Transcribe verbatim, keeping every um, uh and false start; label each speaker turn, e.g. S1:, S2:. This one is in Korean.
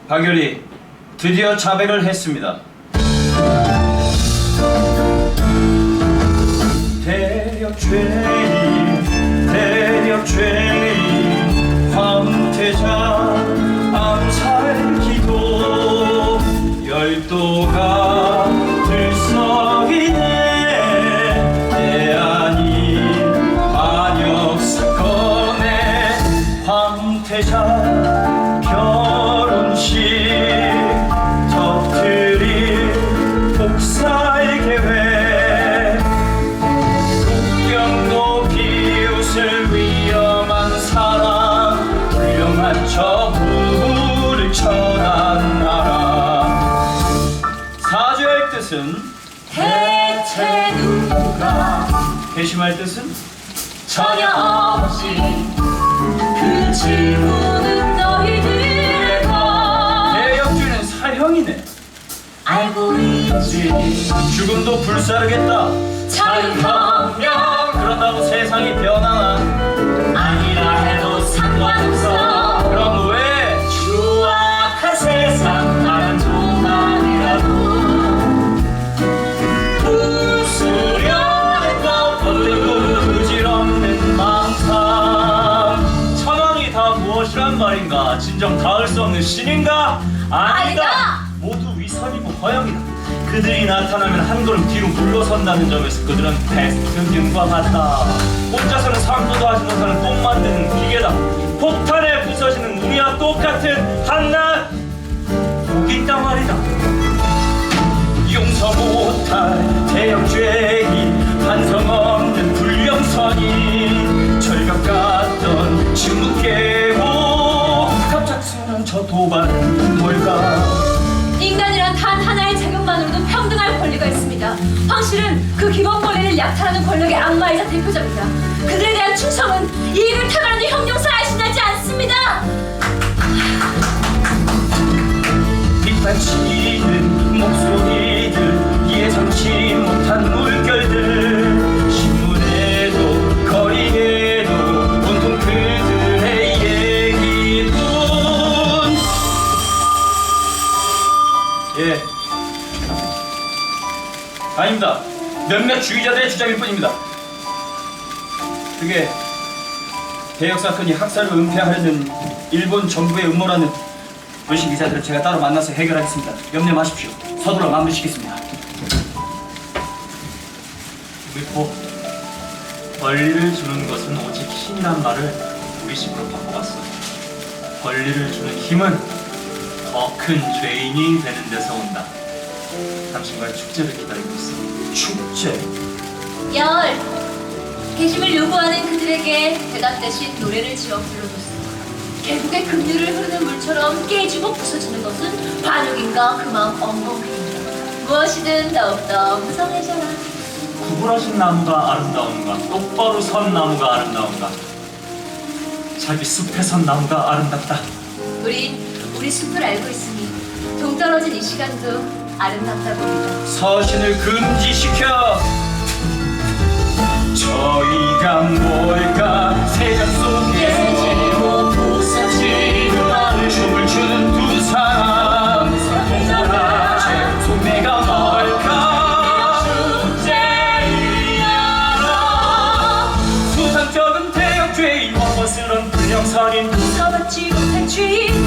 S1: 박열이 드디어 자백을 했습니다. 대력 죄인, 대력 죄인, 황태자 암살 기도, 열도가 들썩이네. 내 아닌 반역 사건에 황태자 결혼식 터뜨릴 복사의 계획, 국경도 비웃을 위험한 사람, 훌륭한 저 부부를 쳐난 나라. 사죄할 뜻은
S2: 대체 누가
S1: 회심할 뜻은
S2: 전혀 없지. 그 질문은 너희들과
S1: 대역죄는 사형이네.
S2: 알고 있지.
S1: 죽음도 불사르겠다.
S2: 자유혁명
S1: 그런다고 세상이 변하나?
S2: 아니라 해도 상관없어.
S1: 그럼 왜
S2: 추악한 세상 나는 조만이라도 부수려는 것
S1: 어떤 부질없는 망상? 천왕이 다 무엇이란 말인가? 진정 닿을 수 없는 신인가? 아니다.
S2: 아니다.
S1: 모두 위선이고 허영이다. 그들이 나타나면 한 걸음 뒤로 물러선다는 점에서 그들은 패스트균과 같다. 혼자서는 상도도 하지 못하는 똥 만드는 기계다. 폭탄에 부서지는 우리와 똑같은 한낱 독이 있단 말이다. 용서 못할 대역죄인, 반성 없는 불령선인, 절벽 같던 침묵 깨고 갑작스런 저 도발은 뭘까?
S2: 인간이란 단 하나의 자격만으로도 평등할 권리가 있습니다. 황실은 그 기본 권리를 약탈하는 권력의 악마이자 대표자입니다. 그들에 대한 충성은 이익을 타가는 형용사에 지나지 않습니다.
S1: 빗발치는 목소리들, 예상치 못한 물결들, 신문에도 거리에도 온통 그들의 얘기뿐. 예, 아닙니다. 몇몇 주의자들의 주장일 뿐입니다. 그게 대역 사건이 학살을 은폐하려는 일본 정부의 음모라는 불신 기자들을 제가 따로 만나서 해결하겠습니다. 염려 마십시오. 서둘러 마무리시겠습니다.
S3: 위포, 권리를 주는 것은 오직 힘이란 말을 우리식으로 바꿔봤어. 권리를 주는 힘은 더 큰 죄인이 되는 데서 온다. 당신과의 축제를 기다리고 있어.
S1: 축제?
S2: 열, 개심을 요구하는 그들에게 대답 대신 노래를 지어 불러줬어. 계곡의 급류를 흐르는 물처럼 깨지고 부서지는 것은 반역인가 그만 엉겅퀴인가. 무엇이든 더욱더 무성해져라.
S3: 구부러진 나무가 아름다운가, 똑바로 선 나무가 아름다운가, 자기 숲에 선 나무가 아름답다.
S2: 우린 우리 숲을 알고 있으니 동떨어진 이 시간도 아름답다고 믿어.
S1: 서신을 금지시켜. 저희가 뭘까? 세상 속에
S2: 깨지고 부서지는 너를
S1: 춤을 추는 두 사람, 동물학체 소매가 뭘까? 수상적인 대역죄인, 험버스런 불량선인,
S2: 무서웠지 못한 죄인,